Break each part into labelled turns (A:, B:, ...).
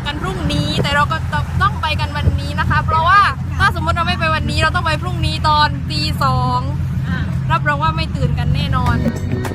A: กันพรุ่งนี้แต่เราก็ต้องไปกันวันนี้นะคะเพราะว่าถ้าสมมติเราไม่ไปวันนี้เราต้องไปพรุ่งนี้ตอนตี 2รับรองว่าไม่ตื่นกันแน่นอน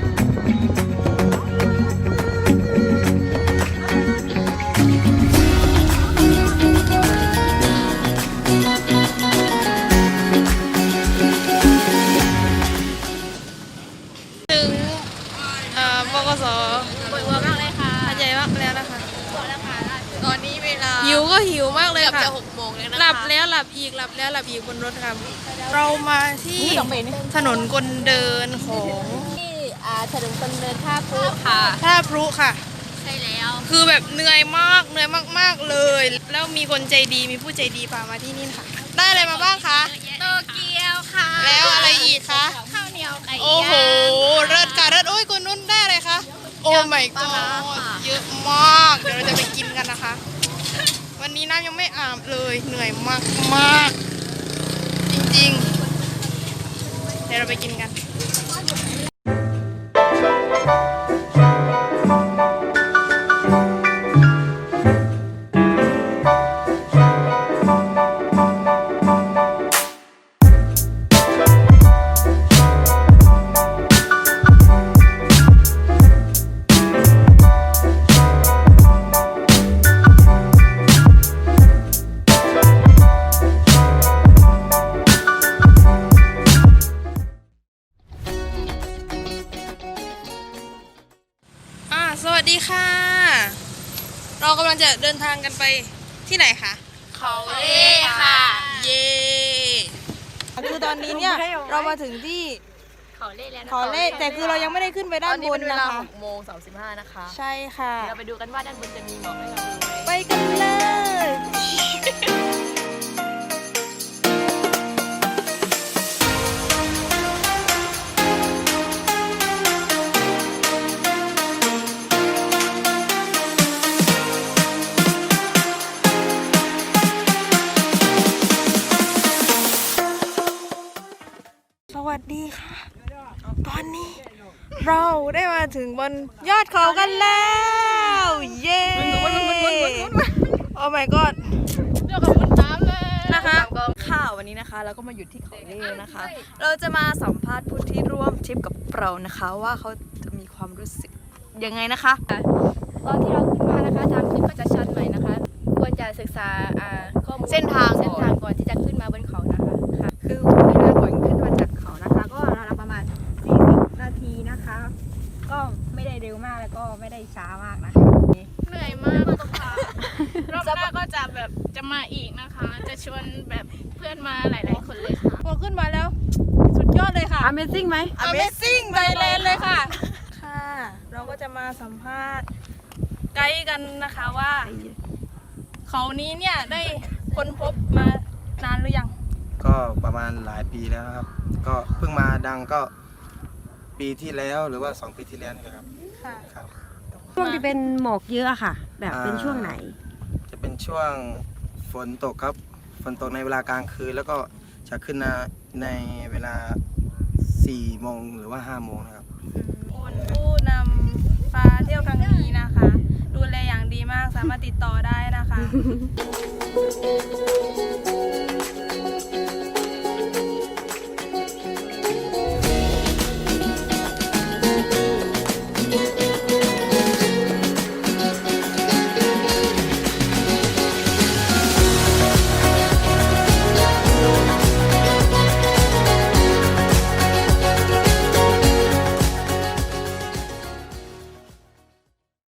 A: ถึงบกสปวดหัวมากเลยค่ะใจมากแล้วนะคะตอนนี้เวลาหิวก็หิวมากเลยค่ะจะ6 โมงแล้วนะคะหลับแล้วหลับอีกหลับแล้วหลับอีกบนรถค่ะเรามาที่ถนนคนเดินของ
B: ที่ถนนคนเดินท่าพรุค่ะ
A: ท่าพรุค่ะ
B: ใช่แล้ว
A: คือแบบเหนื่อยมากเลยแล้วมีคนใจดีมีผู้ใจดีพามาที่นี่ค่ะได้อะไรมาบ้างคะ
B: โตเกียวค่ะ
A: แล้วอะไรอีกคะ
B: ข้าวเหนียวไก่ย่าง
A: โอ้โหเลิศค่ะเลิศโอ้ยคนนู้นได้อะไรคะโอ้ my god เยอะมากเดี๋ยวเราจะไปกินกันนะคะวันนี้น้ำยังไม่อาบเลยเหนื่อยมากจริงๆเดี๋ยวเราไปกินกันสวัสดีค่ะเรากำลังจะเดินทางกันไปที่ไหนคะ
B: เขาเล่ค่ะ
A: เย่คือตอนนี้เนี่ยเรามาถึงที่
B: เขาเล่แล้วนะ
A: เขาเล่แต่คือเรายังไม่ได้ขึ้นไปด้านบนนะคะ
B: 6:35นะคะ
A: ใช่ค่ะ
B: เราไปดูกันว่าด้านบนจะมีหมอกให้เราดูไหม
A: ไปกันเลยสวัสดีค่ะตอนนี้เราได้มาถึงบนยอดเขากันแล้วเย้โอ้ my god
B: เรื่องของบนน้ำเลย
A: นะคะ
C: ค่ะวันนี้นะคะเราก็มาอยู่ที่เขาเล่นะคะ เราจะมาสัมภาษณ์ผู้ที่ร่วมทริปกับเรานะคะว่าเขาจะมีความรู้สึกยังไงนะคะ
B: ตอนที่เราขึ้นมานะคะทางขึ้นก็จะชันหน่อยนะคะควรจะศึกษาข้อมูล
C: เส้นทาง
B: ก่อนที่จะขึ้นมาบนเขานะคะค่ะ
C: คือเวลาก่อนขึ้นมาจากเขานะคะก็ราวๆประมาณ40 นาทีนะคะก็ไม่ได้เร็วมากแล้วก็ไม่ได้ช้ามากนะ
A: เหนื่อยมากตรงค่ะรอบหน้าก็จะแบบจะมาอีกนะคะจะชวนแบบเพื่อนมาหลายๆคนเลยค่ะพอขึ้นมาแล้วสุดยอดเลยค่ะ
C: Amazing ไหม
A: Amazing Thailand เลยค่ะค่ะเราก็จะมาสัมภาษณ์ไกด์กันนะคะว่าเขานี้เนี่ยได้ค้นพบมานานหรือยัง
D: ก็ประมาณหลายปีแล้วครับก็เพิ่งมาดังก็ปีที่แล้วหรือว่า2 ปีที่แล้วนี่ครับ
A: ค่ะ
D: ครับ
C: ช่วงที่เป็นหมอกเยอะค่ะแบบเป็นช่วงไหน
D: จะเป็นช่วงฝนตกครับฝนตกในเวลากลางคืนแล้วก็จะขึ้นในเวลา4 โมงหรือว่า5 โมงนะครับ
A: ผู้นำพาเที่ยวครั้งนี้นะคะดูแลอย่างดีมากสามารถติดต่อได้นะคะ